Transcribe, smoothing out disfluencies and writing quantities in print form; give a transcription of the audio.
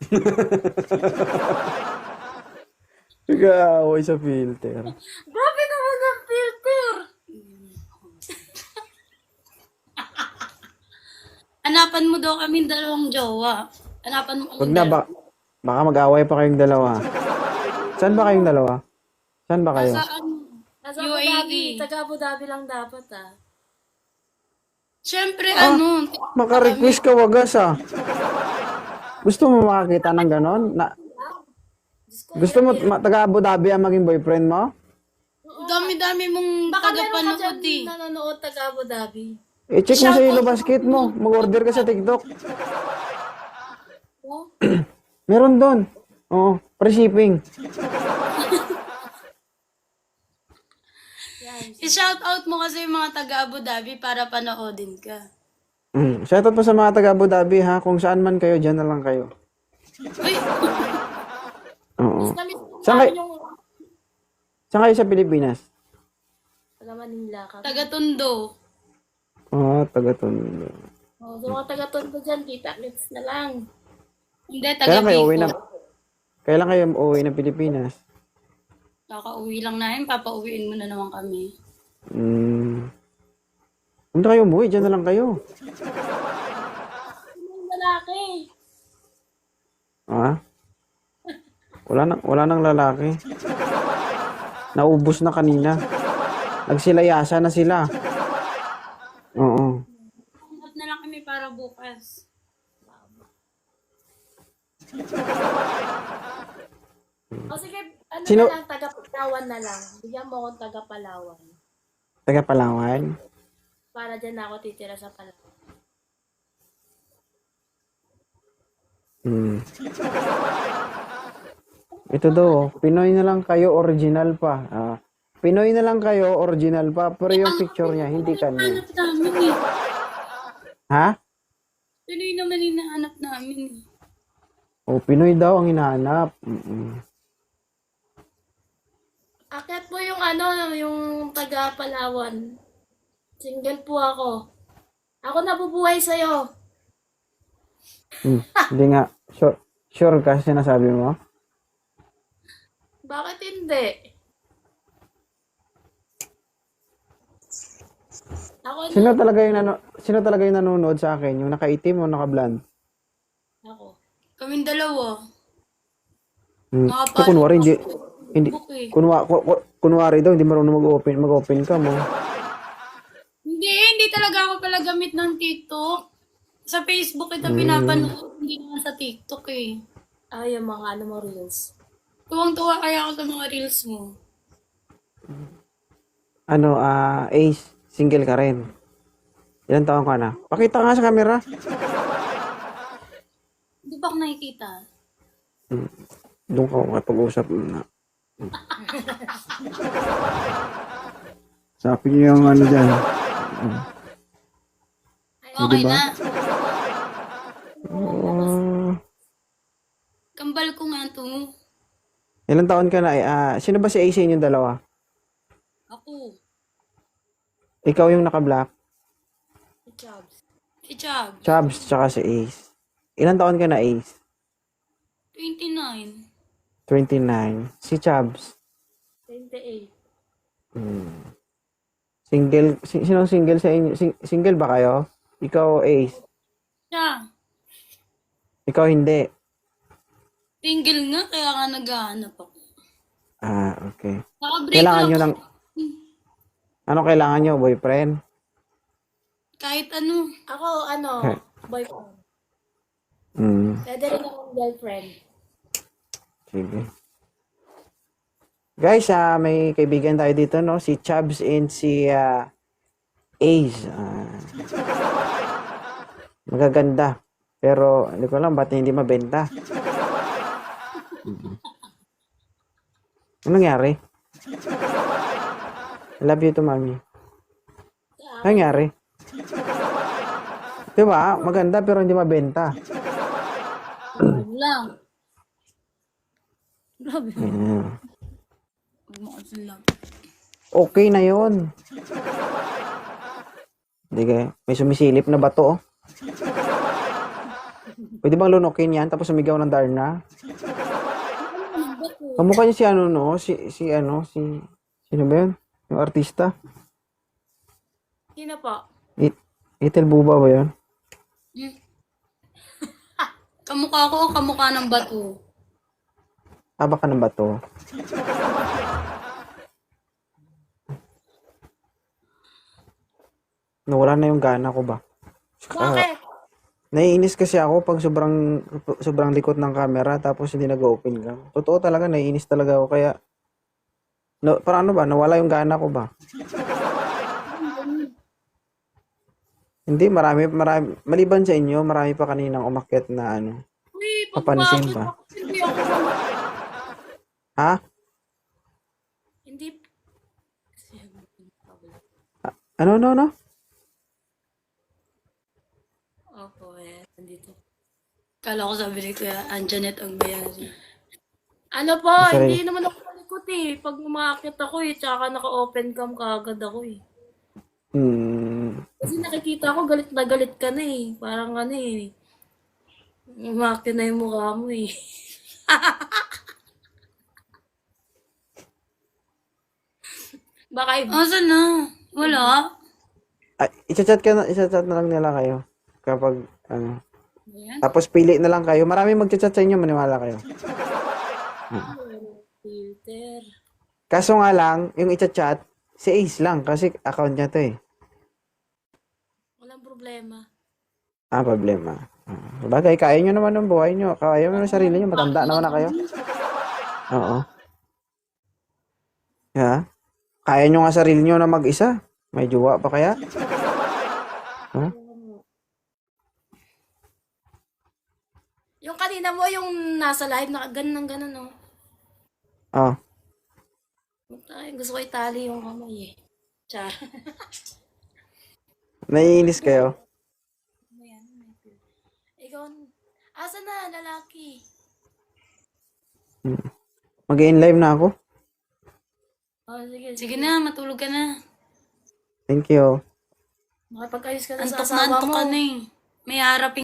Nag-aaway sa filter. Grabe naman ang filter! Hanapan mo daw kami dalawang jowa. Hanapan mo kami Wag na, baka mag-away pa kayong dalawa. Saan ba kayong dalawa? Saan ba kayo? Nasa ano? Nasa Abu UAE. Dhabi. Taga Abu Dhabi lang dapat ah. Siyempre, ano? Maka-request ka wagas ah. Gusto mo makakita ng ganon? Gusto mo taga Abu Dhabi ang maging boyfriend mo? Dami-dami mong Baka meron ka tagapanood dyan eh. nanonood taga Abu Dhabi. I-check mo sa Ilo Basket mo. Mag-order ka sa TikTok. Oh? Meron doon. Oo, free shipping. I-shout out mo kasi yung mga taga Abu Dhabi para panoodin ka. Shoutout pa sa mga taga Abu Dhabi ha. Kung saan man kayo, dyan na lang kayo. Uy! Oo. Namiss Saan namin kayo, yung saan kayo sa Pilipinas? taga Manila ka. Taga Tondo. Taga Tondo. Oh, so mga taga Tondo dyan, kita-kits na lang. Hindi, taga Kailan kayo uwi Bicol. na? Kailan kayo uwi ng Pilipinas? Kakauwi lang namin, papauwiin mo na naman kami. Hindi kayo umuwi, dyan na lang kayo. Yung lalaki. Ha? Wala nang lalaki. Naubos na kanina. Nagsilayasa na sila. Oo. Hanap na lang kami para bukas. O sige, ano Sino- na lang, taga Palawan na lang. Bigyan mo akong taga Palawan. Taga Palawan. Para dyan na ako titira sa Palawan. Ito daw, Pinoy na lang kayo, original pa. Pinoy na lang kayo, original pa. Pero yung picture niya, hindi kanya. Hanap namin eh. Ha? Tuloy naman hinahanap namin eh. Pinoy daw ang hinahanap. Akyat po yung yung taga Palawan. Single po ako. Ako nabubuhay sa'yo. Hindi nga. Sure ka sinasabi mo? Bakit hindi? Ako Sino talaga yung nanonood sa akin? Yung nakaitim o naka-blonde? Ako. Kaming dalawa. Ito kunwari, hindi, Facebook eh. kunwari daw, hindi marunong mag-open ka mo. Hindi talaga ako pala gamit ng TikTok. Sa Facebook kita pinapanood, hindi naman sa TikTok eh. Ay, yung mga mo reels. Tuwang-tuwa kaya ako sa mga reels mo. Ace, single ka rin. Ilan taon ka na? Pakita nga sa camera. Hindi ba ako nakikita? Doon ka makapag-usap na. Sabi niyo yung ano dyan. Okay Diba? na. Kambal ko nga ito. Ilan taon ka na? Sino ba si Ace sa inyong dalawa? Ako. Ikaw yung naka-black? Jobs. Si Chab. Chubbs, tsaka si Ace. Ilan taon ka na, Ace? 29. 29. Si Chubbs? 28. Single? Sinong single sa inyo? Single ba kayo? Ikaw, Ace? Siya. Ikaw, hindi. Single nga, kaya nga naghahanap ako. Okay. Naka-break Kailangan lang nyo ng... Ano kailangan nyo? Boyfriend? kahit ano. Ako, boyfriend. Pwede rin akong girlfriend. Sige. Guys, may kaibigan tayo dito, no? Si Chubbs and si Ace. Magaganda. Pero, hindi ko alam, ba't hindi mabenta? Ano nangyari? I love you to, mami. Ano nangyari? Diba? Maganda pero hindi mabenta. Yun lang. Grabe. Huwag mo kasi lang. Okay na yun. Hindi kayo. May sumisilip na bato, oh. Pwede bang lunukin yan tapos sumigaw ng Darna? Kamukha niya si ano, no? Sino ba yun? Yung artista? Sino po? Ethel Buba ba yun? Kamukha ko o kamukha ng bato? Baka ng bato. Nawala na yung gana ko ba? Bakit? Naiinis kasi ako pag sobrang likot ng camera tapos hindi nag-open cam. Totoo talaga, naiinis talaga ako kaya parang ano ba, nawala yung gana ko ba? Hindi, marami, maliban sa inyo, marami pa kaninang umakyat na ano. Uy, Papansin bakit? ba? Hindi ako. Ha? Hindi. Ano? Opo, nandito. Kala ko sabi ni Kuya Anjanet ang bayari. Ano po, Sorry. hindi naman ako malikot eh. Pag umakit ako eh, tsaka naka-open cam kaagad ako eh. Kasi nakikita ko galit na galit ka na eh. Parang ano eh. Umakit na yung mukha mo eh. Baka Asan na? Wala? I-chat na lang nila kayo kapag ano. Ayan. Tapos pili na lang kayo. Marami mag-chat sa inyo, maniwala kayo. filter. Kaso nga lang, yung i-chat, si Ace lang kasi account niya to eh. Walang problema. Problema. Bagay, kaya nyo naman ng buhay nyo. Kaya nyo ng sarili nyo. Matanda naman na kayo. Oo. Ha? Kaya nyo nga sarili nyo na mag-isa. May jowa pa kaya? Yung kanina mo, yung nasa live, ganun no? Oh. Gusto ko itali yung kamay eh. Char. Naiinis kayo. Ikaw, asa na, lalaki? Mag-in live na ako. Oh, sige. Sige na, matulog ka na. Thank you. Makipag-ayos ka na sa Antok na asawa antok mo. ka na eh. May harapin